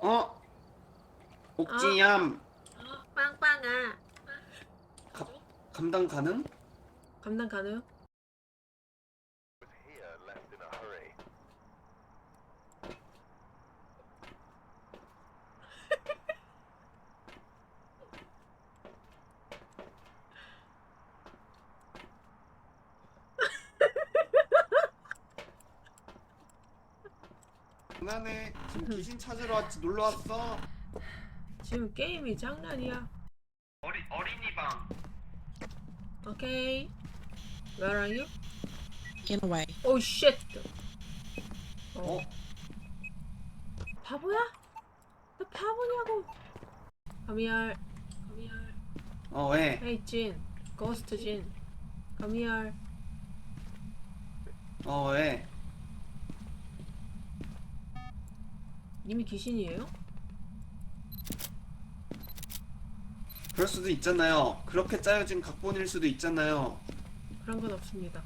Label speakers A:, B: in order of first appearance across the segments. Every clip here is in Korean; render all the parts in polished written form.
A: 어?
B: 어,
A: 옥진얌
B: 빵빵아.
A: 가, 감당 가능?
B: 감당 가능?
A: 장난해. 지금 귀신 찾으러 왔지. 놀러 왔어.
B: 지금 게임이 장난이야.
A: 어린이방.
B: 오케이. Where are you?
C: In a way.
B: Oh shit.
A: 어?
B: 바보야? 너 바보냐고? Come here.
A: 왜?
B: Hey Jin. Ghost Jin. Come here.
A: 왜?
B: 님이 귀신이에요?
A: 그럴 수도 있잖아요. 그렇게 짜여진 각본일 수도 있잖아요.
B: 그런 건 없습니다.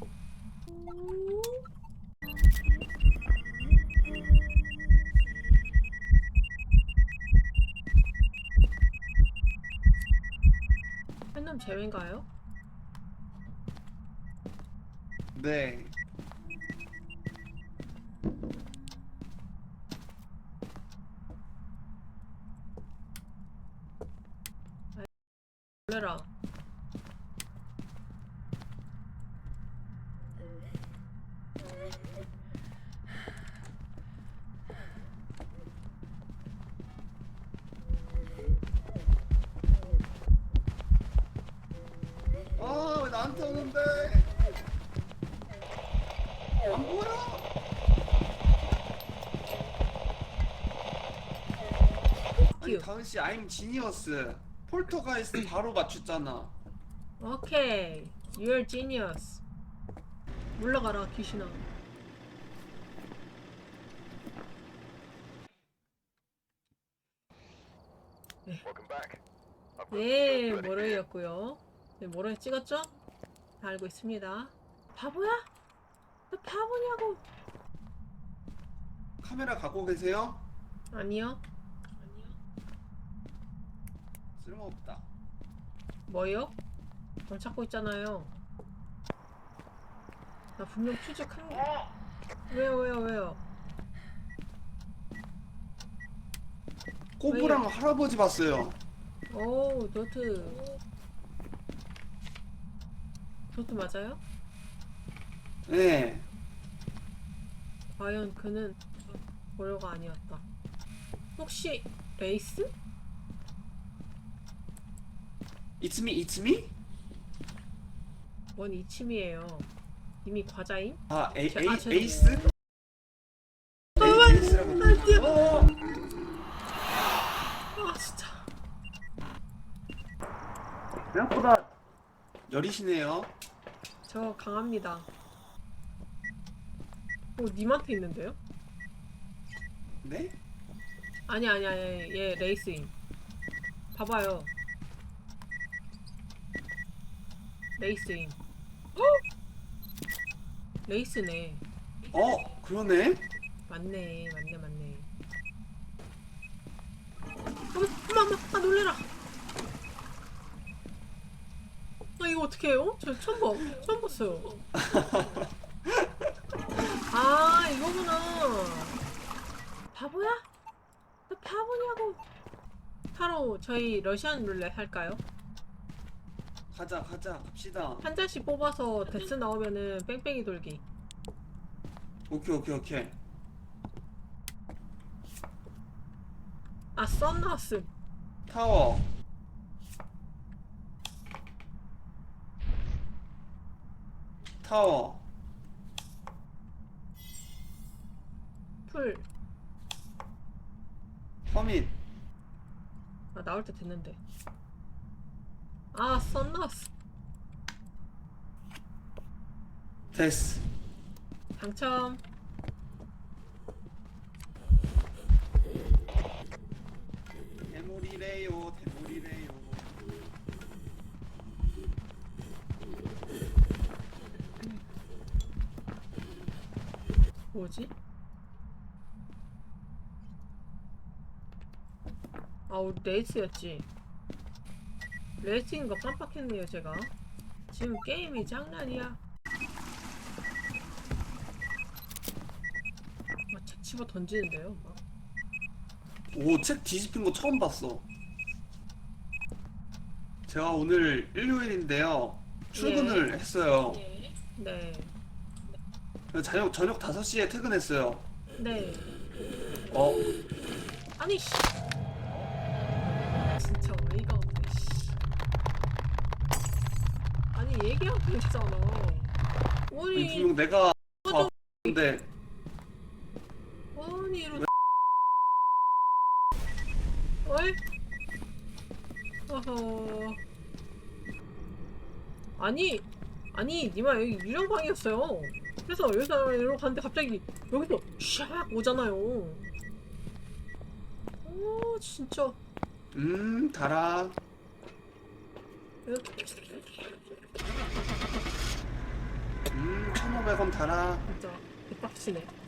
B: 한놈 제외인가요?
A: 네.
B: 놀래라.
A: 왜 나한테 오는데? 안 보여? 아니
B: 큐.
A: 다은 씨, I'm genius. 폴터가이스트 바로 맞췄잖아.
B: 오케이. You're genius. 물러가라 귀신아. 네, 모래였고요. 네, 모래 찍었죠? 다 알고 있습니다. 바보야? 너 바보냐고?
A: 카메라 갖고 계세요?
B: 아니요.
A: 쓸모없다.
B: 뭐요? 뭘 찾고 있잖아요. 나 분명 퓨즈한 거. 왜요?
A: 꼬부랑 할아버지 봤어요.
B: 오, 도트. 도트 맞아요?
A: 네.
B: 과연 그는 고려가 아니었다. 혹시 레이스?
A: It's me, it's me?
B: 뭔 이침이에요. 이미 과자임?
A: 에이스? 에이스라고.
B: 안 뛰어.
A: 어!
B: 아 진짜.
A: 생각보다 여리시네요.
B: 저 강합니다. 님한테 있는데요?
A: 네?
B: 아니 얘 레이스임. 봐봐요. 레이스임. 레이스네.
A: 그러네?
B: 맞네. 어머 놀래라. 이거 어떻게 해요? 저 처음 봤어요. 이거구나. 바보야? 너 바보냐고? 바로 저희 러시안 룰렛 할까요?
A: 갑시다.
B: 한 잔씩 뽑아서 데스 나오면은 뺑뺑이 돌기.
A: 오케이.
B: 썬 나왔음.
A: 타워.
B: 풀.
A: 허밋.
B: 나올 때 됐는데. 썬 나왔어.
A: 데스.
B: 당첨.
A: 대물이래요.
B: 뭐지? 아 우리 레이스였지. 레이스인 거 깜빡했네요 제가. 지금 게임이 장난이야. 책 집어 던지는데요 막.
A: 오, 책 뒤집힌 거 처음 봤어. 제가 오늘 일요일인데요. 출근을 했어요.
B: 네.
A: 저녁 5시에 퇴근했어요.
B: 네.
A: 어,
B: 아니 씨. 진짜 어이가 없네 씨. 아니 얘기하고 있잖아.
A: 아니,
B: 아니
A: 분명 내가
B: 꺼져.
A: 근데
B: 아니 이러. 어이? 어허. 아니 니마 여기 유령방이었어요. 그래서 여기서 이러고 갔는데 갑자기 여기서 샥 오잖아요. 오 진짜.
A: 달아. 1,500원 달아.
B: 진짜 개빡치네.